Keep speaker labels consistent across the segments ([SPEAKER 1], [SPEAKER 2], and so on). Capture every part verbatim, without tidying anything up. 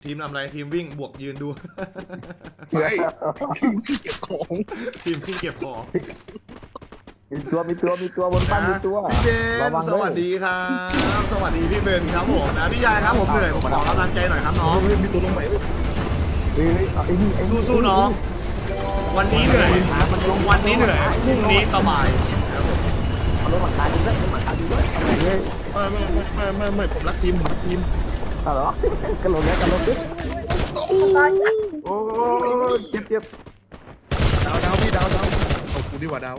[SPEAKER 1] ทีมทำอะไรทีมวิ่งบวกยืนดู
[SPEAKER 2] เฮ้ยเก็บของ
[SPEAKER 1] ทีมวิ่งเก็บของ
[SPEAKER 3] มีตัวมีตัวมีตัวบนบ้านมีตัว
[SPEAKER 1] พี่เบน
[SPEAKER 3] ระวัง
[SPEAKER 1] ส
[SPEAKER 3] ด้วย
[SPEAKER 1] วัสดีครับสวัสดีพี่เบนครับผมนะพี่ยายครับผมเหนื่อยผมขอกำลังใจหน่อยครับน้อง
[SPEAKER 2] เฮ้ยมีตัวลงใหม่เว้ย
[SPEAKER 3] เฮ้ยเอาไอ้นี่ไอ้นี่
[SPEAKER 1] สู้ๆน้องวันนี้เหนื่อยวันนี้เหนื่อยพรุ่งนี้สบายครับผม
[SPEAKER 3] เอารถมาขายดีด้วยรถมาขายดีด้วยเอาไปเลย
[SPEAKER 2] ไม่ไม่ไม่ไม่ไม่ผมรักทีมผมรักทีม
[SPEAKER 3] เอาเหรอกระโดดแล้วกระโดดดิโอ้ยเจ็บเจ็บ
[SPEAKER 2] ดาวดาวพี่ดาวดาวเอากูดีกว่าดาว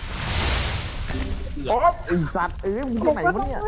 [SPEAKER 3] โอ้ยไอ้สัตว์เอ้ยมึงที่ไหนวะเนี่ย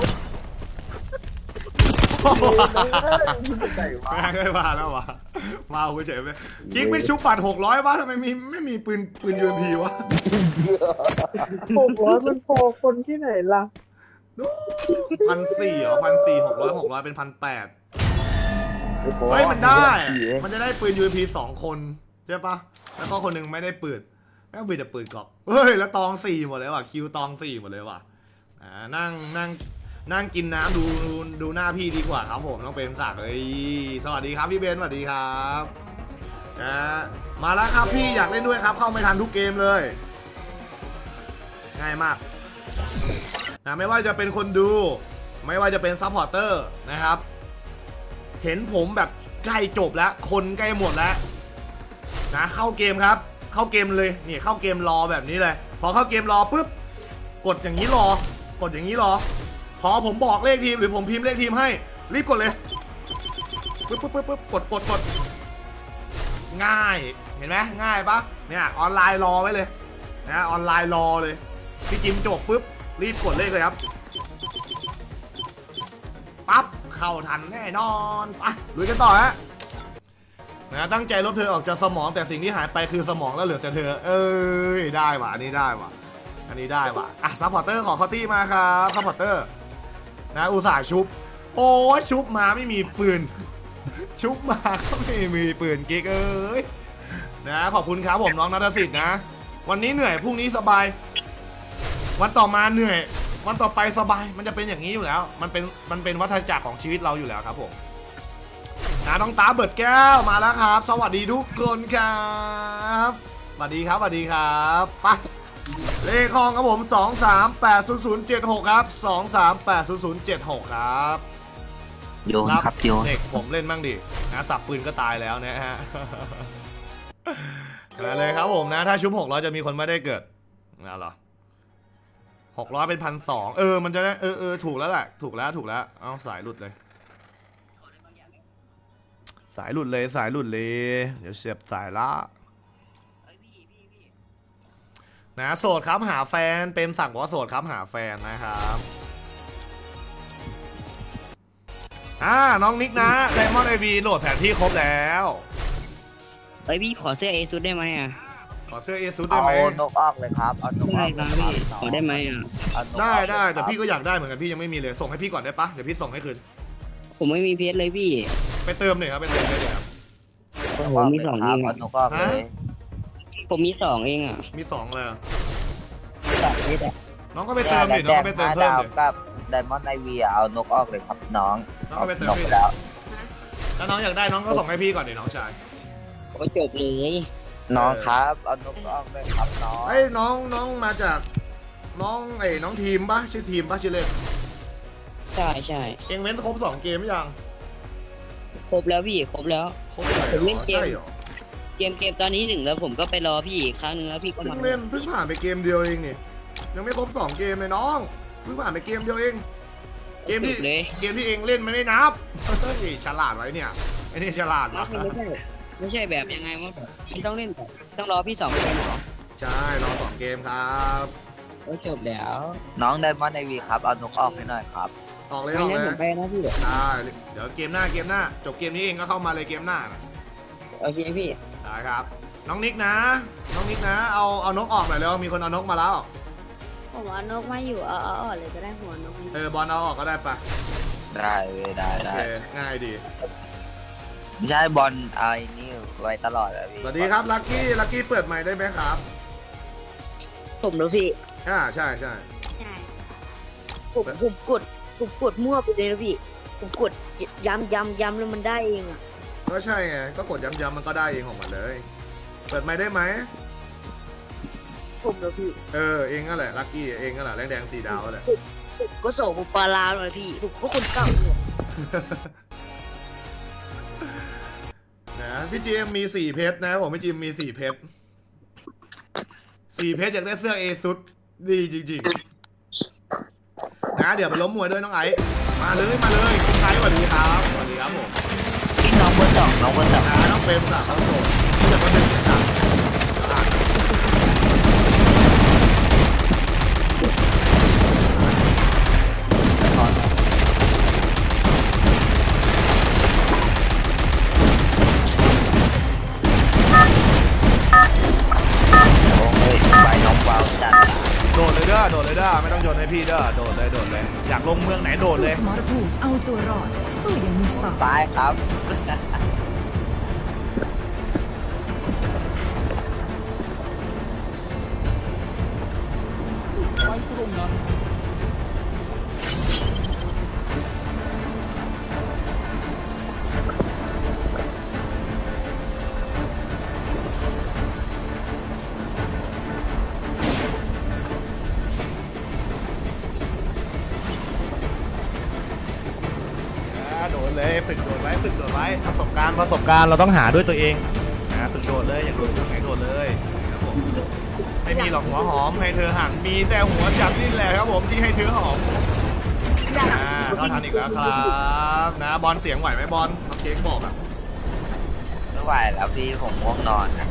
[SPEAKER 2] ใจวะ
[SPEAKER 1] แม่งไม่มาแล้ววะมาเอาเฉยไปกิ๊กไม่ชุบปัดหกร้อยวะทำไมมีไม่มีปืนปืนยูเอ็มพีวะ
[SPEAKER 4] หกร้อยมันพอคนที่ไหนล่ะ
[SPEAKER 1] พันสี่เหรอพันสี่หกร้อยหกร้อยเป็นพันแปดเฮ้ยมันได้ มันจะได้ปืน ยู เอ็ม พี สองคนใช่ปะแล้วก็คนหนึ่งไม่ได้ปืนแม่งมีแต่ปืนกรอบเฮ้ยแล้วตองสี่หมดเลยว่ะคิวตองสี่หมดเลยว่ะอ่านั่งนั่งนั่งกินน้ำดูดูดูหน้าพี่ดีกว่าครับผมต้องเป็นศักดิ์เอ้ยสวัสดีครับพี่เบนสวัสดีครับนะมาแล้วครับพี่อยากเล่นด้วยครับเข้าไม่ทันทุกเกมเลยง่ายมากนะไม่ว่าจะเป็นคนดูไม่ว่าจะเป็นซัพพอร์เตอร์นะครับเห็นผมแบบใกล้จบแล้วคนใกล้หมดแล้วนะเข้าเกมครับเข้าเกมเลยนี่เข้าเกมรอแบบนี้เลยพอเข้าเกมรอปุ๊บกดอย่างนี้รอกดอย่างนี้รอพอผมบอกเลขทีมหรือผมพิมพ์เลขทีมให้รีบกดเลยปุ๊บปุ๊บปุ๊บปุ๊บกดกดกดง่ายเห็นไหมง่ายปะเนี่ยออนไลน์รอไว้เลยนะออนไลน์รอเลยพี่จิมจบปุ๊บรีบกดเลขเลยครับปั๊บเข้าทันแน่นอนไปลุยกันต่อฮะนะตั้งใจลบเธอออกจากสมองแต่สิ่งที่หายไปคือสมองแล้วเหลือแต่เธอเอ้ยได้ว่ะอันนี้ได้ว่ะอันนี้ได้ว่ะอ่ะซัพพอร์เตอร์ขอคอตตี้มาครับซัพพอร์เตอร์นะอุตส่าห์ชุบโอ้ชุบมาไม่มีปืนชุบมาก็ไม่มีปืนกิ๊กเอ้ยนะขอบคุณครับผมน้องนัทสิทธิ์นะวันนี้เหนื่อยพรุ่งนี้สบายวันต่อมาเหนื่อยวันต่อไปสบายมันจะเป็นอย่างนี้อยู่แล้วมันเป็นมันเป็นวัฏจักรของชีวิตเราอยู่แล้วครับผมนะน้องตาเบิดแก้วมาแล้วครับสวัสดีทุกคนครับสวัสดีครับสวัสดีครับไปเลขห้องครับผมสองสามแปดศูนย์ศูนย์เจ็ดหกครับสองสามแปดศูนย์ศูนย์เจ็ดหกครับ
[SPEAKER 5] โยนครับโยน
[SPEAKER 1] เด็กผมเล่นบ้างดินะสับปืนก็ตายแล้วนะฮะ มาเลยครับผมนะถ้าชุบหกร้อยจะมีคนไม่ได้เกิดนะเหรอหกร้อยเป็นพันสองเออมันจะได้เออเออถูกแล้วแหละถูกแล้วถูกแล้วเอาสายหลุดเลยสายหลุดเลยสายหลุดเลยเดี๋ยวเสียบสายละนะโสดครับหาแฟนเป็นสั่งบอกว่าโสดครับหาแฟนนะครับอ่าน้องนิกนะไดมอนด์ไอวีโหลดแผนที่ครบแล้ว
[SPEAKER 5] เฮ้ยพี่ขอเสื้อเอซุดได้ไหมอ่ะ
[SPEAKER 1] ขอเสื้อเอซุดได้
[SPEAKER 6] เอา
[SPEAKER 1] ไหม
[SPEAKER 6] นกออกเลยครับ เอานกอ
[SPEAKER 5] ได้
[SPEAKER 6] อก
[SPEAKER 5] ค
[SPEAKER 6] เล
[SPEAKER 5] รับ
[SPEAKER 6] ยครับ
[SPEAKER 5] พี่ขอได้ไหมอ่ะ
[SPEAKER 6] เอานกออก
[SPEAKER 1] ได้ได้
[SPEAKER 6] เลยครับ
[SPEAKER 1] แต่พี่ก็อยากได้เหมือนกันพี่ยังไม่มีเลยส่งให้พี่ก่อนได้ปะเดี๋ยวพี่ส่งให้คืน
[SPEAKER 5] ผมไม่มีเพชรเลยพี่
[SPEAKER 1] ไปเติมหน่อยครับไปเติมได้เลยครับ
[SPEAKER 5] โอ้โหมีสอง
[SPEAKER 6] ค
[SPEAKER 5] เอ
[SPEAKER 6] รับ
[SPEAKER 5] ง
[SPEAKER 6] เอา
[SPEAKER 5] อ่ะ
[SPEAKER 6] นกออกเลย
[SPEAKER 5] ผมมีสองเองอ่ะ
[SPEAKER 1] มีสองเลย
[SPEAKER 5] สองเพชรอ่ะ
[SPEAKER 1] น้องก็ไปเติมดิน้องก็ไปเติม
[SPEAKER 6] ห้า
[SPEAKER 1] เพิ่ม
[SPEAKER 6] ดาว
[SPEAKER 1] ดิ
[SPEAKER 6] กับไดมอนด์ไอวีเอานกออกเลยครับน้อง
[SPEAKER 1] น้องก็ไปเติม
[SPEAKER 6] นก
[SPEAKER 1] ดิ
[SPEAKER 6] ไปแล้ว
[SPEAKER 1] ถ้าน้องอยากได้น้องก็ส่งให้พี่ก่อนดิน้องชาย
[SPEAKER 5] โอ้จบเลย
[SPEAKER 6] น้องครับเอานกออกเลยครับน้อง
[SPEAKER 1] ไอ้ยน้องน้องมาจากน้องไอ้น้องทีมปะชื่อทีมปะชื่อเล่น
[SPEAKER 5] ใช่ใช่
[SPEAKER 1] เองเว้นครบสองเกมหรือยัง
[SPEAKER 5] ครบแล้วพี่ครบแล้ว
[SPEAKER 1] ครบเลยเหร
[SPEAKER 5] ผมเล่น
[SPEAKER 1] อ
[SPEAKER 5] เกม
[SPEAKER 1] ใช่เหรอ
[SPEAKER 5] เกมเกมตอนนี้หนึ่งแล้วผมก็ไปรอพี่อีกครั้งหนึ่งแล้วพี่ก็
[SPEAKER 1] เพิ่
[SPEAKER 5] มาง
[SPEAKER 1] เล่นเพิ่งผ่านไปเกมเดียวเองนี่ยังไม่ครบสองเกมเลยน้องเพิ่งผ่านไปเกมเดียวเองเกมที่
[SPEAKER 5] เลย
[SPEAKER 1] เกมที่เองเล่นมันไม่นับเฮ้ยฉลาดไว้เนี่ยไอ้นี่ฉลาด
[SPEAKER 5] ไม่
[SPEAKER 1] วะ
[SPEAKER 5] ใช่ไม่ใช่แบบยังไงวะมันต้องเล่นแบบต้องรอพี่สองเกมเหรอ
[SPEAKER 1] ใช่รอสองเกมครับ
[SPEAKER 5] โอ้จบแล้ว
[SPEAKER 6] น้องไดมอนด์ไอวีครับเอานกออกให้หน่อยครับ
[SPEAKER 1] ออกเลย
[SPEAKER 5] ไม่
[SPEAKER 1] ออก
[SPEAKER 5] งั้น
[SPEAKER 1] เล
[SPEAKER 5] ผ
[SPEAKER 1] ย
[SPEAKER 5] มไปนะพี่
[SPEAKER 1] ได้เดี๋ยวเกมหน้าเกมหน้าจบเกมนี้เองก็เข้ามาเลยเกมหน้านะ
[SPEAKER 5] โอเคพี่
[SPEAKER 1] ได้ครับ น้องนิกนะ น้องนิกนะ เอาเอานกออกหน่อยแล้วมีคนเอานกมาแล้ว
[SPEAKER 7] ผมเอานกมาอยู่เอาเอาออกเลยก็ได้หัวนก
[SPEAKER 1] เออบอลเอาออกก็ได้ปะ
[SPEAKER 6] ได้เว้ยได้
[SPEAKER 1] โอ
[SPEAKER 6] ได้
[SPEAKER 1] เคง่ายดี
[SPEAKER 6] ไม่ใช่บอลเอาไอ้นี่ไว้ตลอดอะพี่
[SPEAKER 1] สวัสดีครับลักกี้ลักกี้เปิดใหม่ได้ไหมครับ
[SPEAKER 5] ผมแล้วพี่
[SPEAKER 1] อ่าใช่ใช่
[SPEAKER 7] ใช่ผมผมกดผมกดมั่วไปเลยนะพี่ผมกดย้ำย้ำย้ำแล้วมันได้เองอ่ะ
[SPEAKER 1] ก็ใช่ไงก็กดย้ำๆมันก็ได้เองของมันเลยเปิดไมค์ได้ไหม
[SPEAKER 4] ผมเหรอพี่
[SPEAKER 1] เออเองก็แหละลัคกี้เองก็แหละแรงแดงสีดาวแหละ
[SPEAKER 4] ผมก็ส่งผมปลาลาหน่อยพี่ผมก็คนเก่าเนี่ย
[SPEAKER 1] นะพี่จีมมีสี่เพชรนะผมพี่จีมมีสี่เพชรสี่เพชรอยากได้เสื้อเอซุดดีจริงๆนะเดี๋ยวไปล้มมวยด้วยน้องไอซ์มาเลยมาเลยน้องไอซ์สวัสดีครับสวัสดีครับผม
[SPEAKER 6] พี่น้องเบอร์สองน้องเบอร์สอง
[SPEAKER 1] นะน้องเฟรมสามครับผมที่จะมาดึงนะครับอ่ะ
[SPEAKER 6] โอ้ยใบน้องเบาจัด
[SPEAKER 1] โดดเลยเด้อโดดเลยเด้อไม่ต้องโยนให้พี่เด้อโดดเลยโดดเลยอยากลงเมืองไหนโดดเลย
[SPEAKER 8] สมรภูมิเอาตัวรอดสู้อย่างมีสไตล์
[SPEAKER 6] ตายครับ
[SPEAKER 1] อ่าโดดเลยฝึกโดดไว้ฝึกโดดไว้ประสบการณ์ประสบการณ์เราต้องหาด้วยตัวเองนะฝึกโดดเลยอยากโดดตรงไหนโดดเลยครับผมไม่มีหรอกหัวหอมให้เธอหันมีแต่หัวฉันนี่แหละครับผมที่ให้เธอหอมอ่าเข้าทันอีกแล้วครับนะบอลเสียงไหวไหมบอลน้องเค้กบอกอะ
[SPEAKER 6] ไม่ไหวแล้วพี่ผมง่วงนอนนะ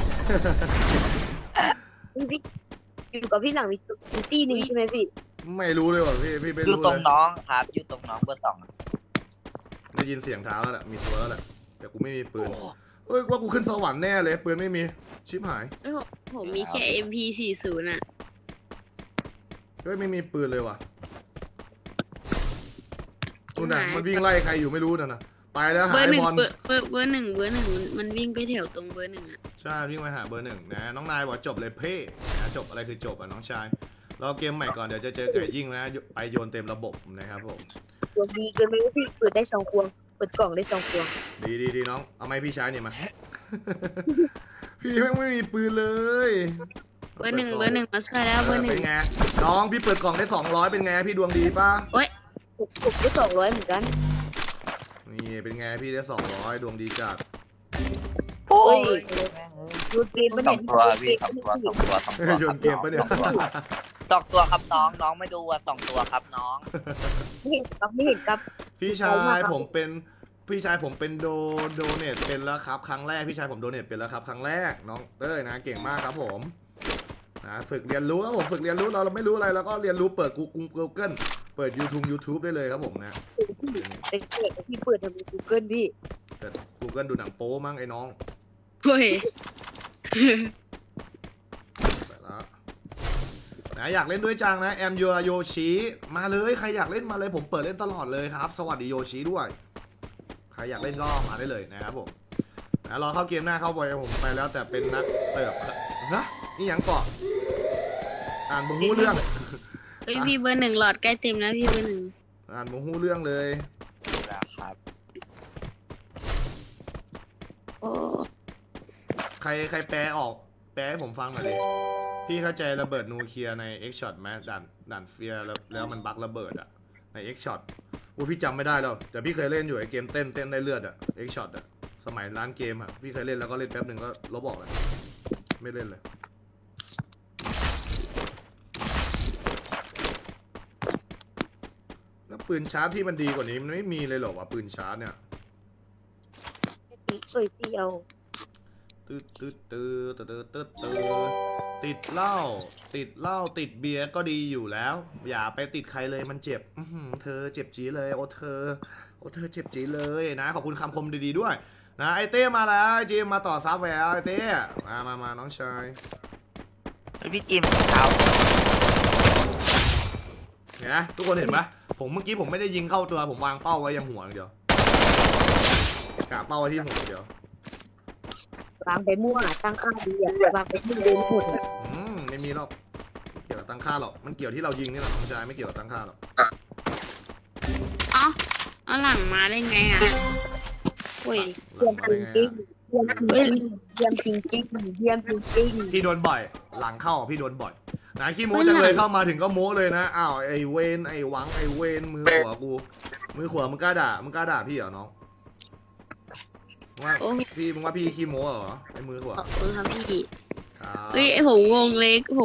[SPEAKER 4] พี่อยู่กับพี่หลังมีมีตี้หนึงใช่ไหมพี่
[SPEAKER 1] ไม่รู้เลยว่ะพี่พี่ไม่
[SPEAKER 6] อยู่
[SPEAKER 1] รู้
[SPEAKER 6] ตร
[SPEAKER 1] เล
[SPEAKER 6] ง
[SPEAKER 1] ย
[SPEAKER 6] น้องครับอยู่ตรงน้องเบอร์สอง
[SPEAKER 1] ได้ยินเสียงเท้าแล้วแหละมีตัวแล้วแหละแต่กูไม่มีปืนเอ้ยว่ากูขึ้นสวรรค์แน่เลยปืนไม่มีชิบหาย
[SPEAKER 7] เอ้ยผมผมมีแค่ เอ็ม พี สี่สิบ อ่ะ
[SPEAKER 1] เฮ้ยไม่มีปืนเลยว่ะนู่นน่ะมันวิ่งไล่ใครอยู่ไม่รู้น่ะนะไปแล้ว
[SPEAKER 7] เบ
[SPEAKER 1] หา
[SPEAKER 7] อร์
[SPEAKER 1] ย
[SPEAKER 7] หนึ่ง
[SPEAKER 1] บอล
[SPEAKER 7] เบอร์เบอร์เบอร์หนึ่งเบอร์หนึ่งมันมันวิ่งไปแถวตรงเบอร์หนึ่งอ่ะ
[SPEAKER 1] ใช่วิ่งไปหาเบอร์หนึ่งนะน้องนายบอกจบเลยเพ่นะจบอะไรคือจบอ่ะน้องชายเราเกมใหม่ก่อนเดี๋ยวจะเจอไก่ยิ่งนะไปโยนเต็มระบบนะครับผม
[SPEAKER 4] ตัวดีเกินไปว่าพี่เปิดได้สองควงเปิดกล่องได้สองควง
[SPEAKER 1] ดีดีดีน้องเอาไม้พี่ชายเนี่ยมา พี่แม่งไม่มีปืนเลย
[SPEAKER 7] เบอร์หนึ่งเบอร์หนึ่งมาช่วยแล้วเบอร์หนึ่
[SPEAKER 1] เป็
[SPEAKER 7] ง
[SPEAKER 1] นไงน้องพี่เปิดกล่องได้สองร้อยเป็นไงพี่ดวงดีป่ะ
[SPEAKER 7] โอ๊ย
[SPEAKER 4] ผมผมได้สองร้อยเหมือนกัน
[SPEAKER 1] นี่เป็นไงพี่ได้สองร้อยดวงดีจัด
[SPEAKER 6] โอ้ย
[SPEAKER 4] ดูเกมปะ
[SPEAKER 6] สอ
[SPEAKER 4] เนี่
[SPEAKER 6] ง
[SPEAKER 4] ย
[SPEAKER 6] ตัวพี่สองตัวสองตัวสองตัว
[SPEAKER 1] โยนเกมปะเนี่ย
[SPEAKER 6] สองตัวครับน้องน้องไม่ดูอ่ะสองตัวครับน้อง
[SPEAKER 4] ไม่เห็นครับไม่เห็นครับ
[SPEAKER 1] พี่ชายผมเป็นพี่ชายผมเป็นโดโดเนทเป็นแล้วครับครั้งแรกพี่ชายผมโดเนทเป็นแล้วครับครั้งแรกน้องเต้ยนะเก่งมากครับผมนะฝึกเรียนรู้ครับผมฝึกเรียนรู้เราเราไม่รู้อะไรแล้วก็เรียนรู้เปิด Google Google เปิด YouTube YouTube ได้เลยครับผมนะ
[SPEAKER 4] เป็นเด็กที่เปิดทำใน Google พี่
[SPEAKER 1] เปิด Google ดูหนังโป๊มั้งไอ้น้อง
[SPEAKER 7] เฮ้ย
[SPEAKER 1] ไปแล้วนะอยากเล่นด้วยจังนะแอมยูโยชิมาเลยใครอยากเล่นมาเลยผมเปิดเล่นตลอดเลยครับสวัสดีโยชิด้วยใครอยากเล่นก็มาได้เลยนะครับผมนะรอเข้าเกมหน้าเข้าไปผมไปแล้วแต่เป็นนักเติบนะนี่ยังเกาะอ่านบุหูเรื่อง
[SPEAKER 7] เฮ้ยพี่เบอร์หนึ่งหลอดใกล้เต็มแล้วพี่เบอร์หนึ่ง
[SPEAKER 1] อ่านบุหูเรื่องเลย
[SPEAKER 6] แล้วครับ
[SPEAKER 7] โอ้
[SPEAKER 1] ใครใครแปลออกแปลให้ผมฟังหน่อยดิพี่เข้าใจระเบิดนูเคลียร์ใน X Shot ไหมด่านด่านเฟียร์แล้วแล้วมันบั๊กระเบิดอะใน X Shot อู้พี่จำไม่ได้แล้วแต่พี่เคยเล่นอยู่ไอเกมเต้นเต้นได้เลือดอะ X Shot อะสมัยร้านเกมอะพี่เคยเล่นแล้วก็เล่นแป๊บหนึ่งก็ลบออกเลยไม่เล่นเลยแล้วปืนชาร์จที่มันดีกว่านี้มันไม่มีเลยเหรอวะปืนชาร์จเนี่ย
[SPEAKER 4] เอ้ยพี่เอา
[SPEAKER 1] ตืดตืดตืดตืดตืดตืดติดเหล้าติดเหล้าติดเบียร์ก็ดีอยู่แล้ว อย่าไปติดใครเลยมันเจ็บอื้อหือเธอเจ็บจีเลยโอ้เธอโอ้เธอเจ็บจีเลยนะขอบคุณคำคมดีๆด้วยนะไอเต้มาแล้วไอจีมมาต่อซับแววไอเต้มามามาน้องชาย
[SPEAKER 6] พี่จิมเท้า
[SPEAKER 1] เห็นไหมทุกคนเห็นปะผมเมื่อกี้ผมไม่ได้ยิงเข้าตัวผมวางเป้าไว้ยังหัวอย่างเดียวกะเป้าไว้ที่หัวอย่างเดียว
[SPEAKER 4] วางไปมั่วตั้งค่าดีอ่ะวางไปที่เดินหมดอะ
[SPEAKER 1] อืมไม่มีหรอกไม่เกี่ยวกับตั้งค่าหรอกมันเกี่ยวที่เรายิงนี่แหละน้องชายไม่เกี่ยวกับตั้งค่าหรอก
[SPEAKER 7] เอ้าเอาหลังมาได้ไงอ่ะ
[SPEAKER 1] ก
[SPEAKER 7] โอ้ย
[SPEAKER 1] หลังมาได้ไง
[SPEAKER 4] จริง
[SPEAKER 1] อะ
[SPEAKER 4] เยี่ยมจริงจริงเยี่ยมจริงจริง
[SPEAKER 1] พี่โดนบ่อย หลังเข้าพี่โดนบ่อยนะขี้โม้จังเลยเข้ามาถึงก็โม้เลยนะอ้าวไอ้เวนไอ้หวังไอ้เวนมือขวากูมือขวามึงกล้าด่ามึงกล้าด่าพี่เหรอน้องมึงว่า
[SPEAKER 7] โอ้
[SPEAKER 1] พี่มึงว่าพี่ขี้โม้เหรอไอ้มือขวา
[SPEAKER 7] ขอบคุณครับพี่
[SPEAKER 1] ครับ
[SPEAKER 7] เฮ้ยผมงงเลย